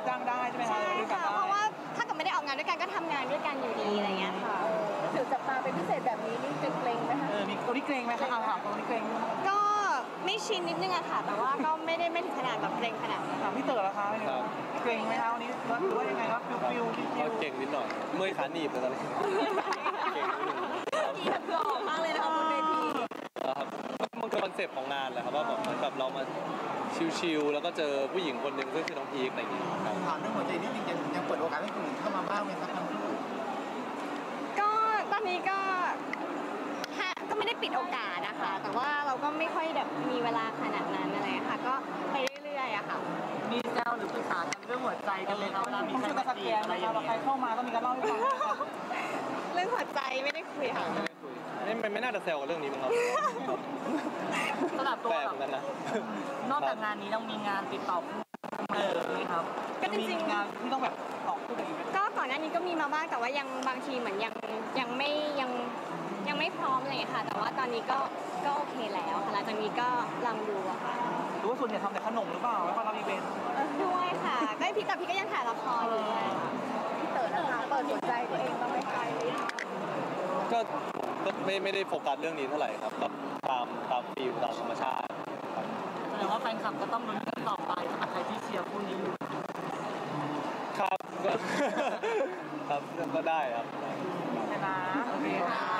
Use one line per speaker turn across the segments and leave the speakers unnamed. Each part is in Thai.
จ้างได้ใช่ไหมคะ
ใช่ค่ะเพราะว่าถ้าเกิดไม่ได้ออกงานด้วยกันก็ทำงานด้วยกันอยู่ดีอะไรเงี้ยค่ะ
ถือจับตาเป็นพิเศษแบบนี้นี่เกรงไหมคะ
มีตัวนี้เกรงไหมคะถามตัวนี้เกรง
ก็ไม่ชินนิดนึงอะค่ะแต่ว่าก็ไม่ถึงขนาดแบบเกรงขนาดนั้น
ถามพี่เต๋อละคะเกรงไหมคะวันนี้หรือว่ายังไงครับฟิว
ก็เก่งนิดหน่อยเมื่อยขาหนีบเลยตอนนี้เก่งนิดนึง
ที่แบบหล่อมากเลยนะคะบนเวที
ครับมันคือคอนเซ็ปต์ของงานแหละครับว่าแบบเรามาชิลๆแล้วก็เจอผู้หญิงคนหนึ่งซึ่งคือน้องพีคอะไรอย่างเงี้ยครับ
ถามเรื่องหัวใจนิดนึงยังเปิดโอกาสให้คนอื่นเข้ามาบ้างไหมครับทั้งคู่
ก็ตอนนี้ก็ไม่ได้ปิดโอกาสนะคะแต่ว่าเราก็ไม่ค่อยแบบมีเวลาขนาดนั้นอะไรค่ะก็ไปเรื่อยๆอะค่ะ
มีแซวหรือปรึกษากันเรื่องหัวใจกันเลยครับเวลามีใคร
มาจีบอะไรอย่างเงี้ยใครเข้ามาต้องมีการเล่าให้ฟัง
เรื่องหัวใจไม่ได้คุยค่ะ
ไม่น่าจะแซวกับเรื่องนี้มั้งครับ
สำหรับตัวแบบ
นั้นนะ
นอกจากงานนี้ต้องมีงานติดต่อไหมครับ
ก็จริง
ๆงานที่ต้องแบบออกคู่กันอีก
ก็ก่อนหน้านี้ก็มีมาบ้างแต่ว่ายังบางทีเหมือนยังไม่พร้อมอะไรค่ะแต่ว่าตอนนี้ก็โอเคแล้วค่ะหลังจากนี้ก็ลองดูอะค่ะ
หรือว่าส่วนใหญ่ทำแต่ขนมหรือเปล่าแล้วก็รับอีเวนต์
ด้วยค่ะก็พี่ก็ยังถ่ายละครอยู่
พี่เต๋อนะคะเปิดหัวใจตัวเองบ้างไหมคะ
ก็ไม่ได้โฟกัสเรื่องนี้เท่าไหร่ครับก็ตามฟิลตามธรรมชาติ
แสดงว่าแฟนคลับก็ต้องลุ้นกันต่อไปสำหรับใครที่เชียร์คู่นี้อยู่
ครับครับก็ได้ครับ
ชนะโอเค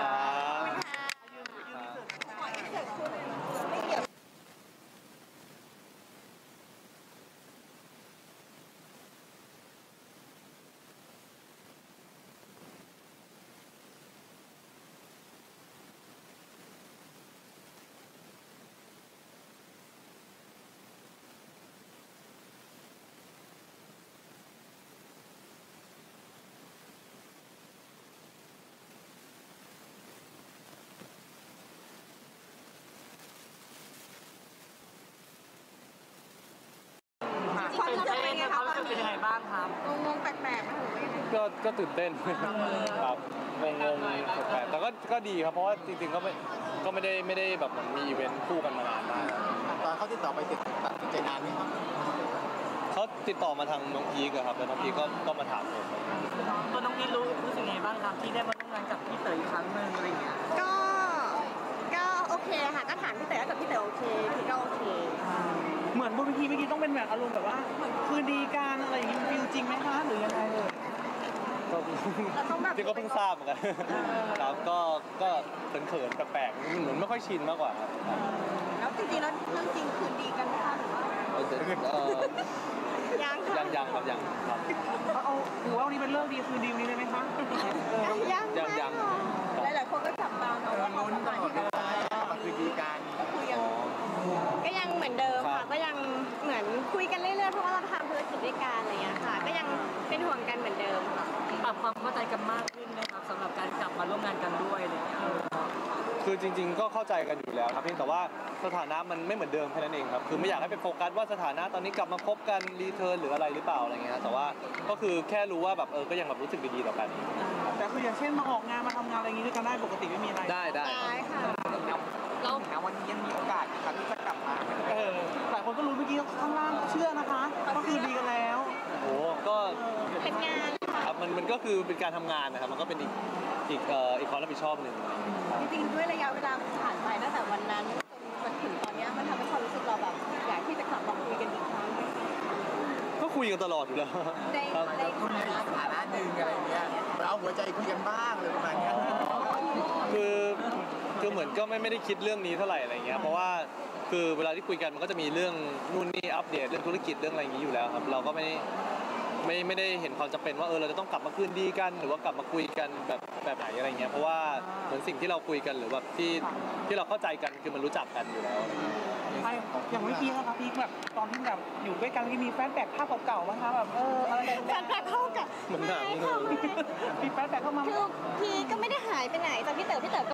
ความรู้สึกเป็นไงครับรู้สึกเป็นยังไงบ้างครับ
งงแปลกๆไหมหรือว่ายังไง
ก็ตื่นเต้นครับงงแปลกแต่ก็ดีครับเพราะว่าจริงๆก็ไม่ได้แบบเหมือนมีอีเวนต์คู่กันมานานมาก
ตอนเขาติดต่อไปตัดสินใจนานไหมครับ
เขาติดต่อมาทางน้องพีคครับแล้วน้องพีคก็มาถามผม
ตัวน้องพีครู้สึกไงบ้างครับที่ได้มาร่วมงานกับพี่เต๋ออีกครั้งหนึ่งอะไรเงี้ย
ก็โอเคค่ะก็ถามพี่เต๋อกับพี่เต๋อโอเคพี่ก็โอเค
เหมือนบนเวทีเมื่อกี้ต้องเป็นแบบอารมณ์แบบว่าคืนดีกันอะไรอย่างงี้ฟิลจริงไหมคะหรือยังไง
ที่ก็เพิ่งทราบเหมือนกันครับก็เขินๆแปลกๆเหมือนไม่ค่อยชินมากกว่าครับ
แล้วจริงๆแล้วเรื่องจริงคืนดีกันไหมคะหรือว่ายังครับ
ยังครับ
เอาถือว่าวันนี้เป็นเรื่องดีคืนดีวันนี้เลยไหมคะ
ยัง
หลายๆคนก็จับตาเนาะว่าเขาทำงานที่กัน
มาคืนดีกัน
ก็ยังเหมือนเดิมค่ะก็ยังเหมือนคุยกันเรื่อยๆเพราะว่าเราทำธุรกิจด้วยกันอะไรอย่างเงี้ยค่ะก็ยังเป็นห่วงกันเหมือนเดิมค่ะ
ปรับความเข้าใจกันมากขึ้นนะครับสำหรับการกลับมาร่วมงานกันด้วยอะไรอย่างเงี้ย
คือจริงๆก็เข้าใจกันอยู่แล้วครับเพียงแต่ว่าสถานะมันไม่เหมือนเดิมแค่นั้นเองครับคือไม่อยากให้ไปโฟกัสว่าสถานะตอนนี้กลับมาคบกันรีเทิร์นหรืออะไรหรือเปล่าอะไรเงี้ยแต่ว่าก็คือแค่รู้ว่าแบบก็ยังแบบรู้สึกดีๆต่อกัน
แต่คืออย่างเช่นมาออกงานมาทำงานอะไรอย่างนี้ด้วยกันได้ปกติไม่มีอะไร
ได้
ค่ะ
แล้ววันนี้ยังมีโอกาสครับที่จะกลับมาหลายคนก็รู้เมื่อกี้ข้างล่างเชื่อนะคะก็คือดีกันแล้ว
โอ้ก็
เป็นงาน
ครับมันก็คือเป็นการทำงานนะครับมันก็เป็นอีกความรับผิดชอบหนึ่ง
จริงๆด้วยระยะเวลาผ่านไปตั้งแต่วันนั้นจนถึงตอนนี้มันทำให้ความรู้สึกเราแบบอยากที่จะกลับมาคุยกันอีกครั้ง
ก็คุยกันตลอดอยู่แล้ว
ได้คุยในสถานะหนึ่งอะไรเงี้ยเราหัวใจคุยกันบ้างเลยประมาณนี้
คือเหมือนก็ไม่ได้คิดเรื่องนี้เท่าไหร่อะไรเงี้ยเพราะว่าคือเวลาที่คุยกันมันก็จะมีเรื่องนู่นนี่อัปเดตเรื่องธุรกิจเรื่องอะไรอย่างนี้อยู่แล้วครับเราก็ไม่ได้เห็นความจำเป็นว่าเราจะต้องกลับมาคืนดีกันหรือว่ากลับมาคุยกันแบบไหนอะไรเงี้ยเพราะว่าเหมือนสิ่งที่เราคุยกันหรือแบบที่เราเข้าใจกันคือมันรู้จักกันอยู่แล้ว
อย่างเมื่อกี้นะคะพี่แบบตอนที่แบบอยู่ด้วยกันมีแฟนแบ็กภาพเก่าๆมั้งคะแบบอะไร
แฟนแบ็กเข้ากับ
เหมือนหนัง
มีแฟนแบ็กเข้ามา
คือพี่ก็ไม่ได้หายไปไหนแต่พี่เต๋อ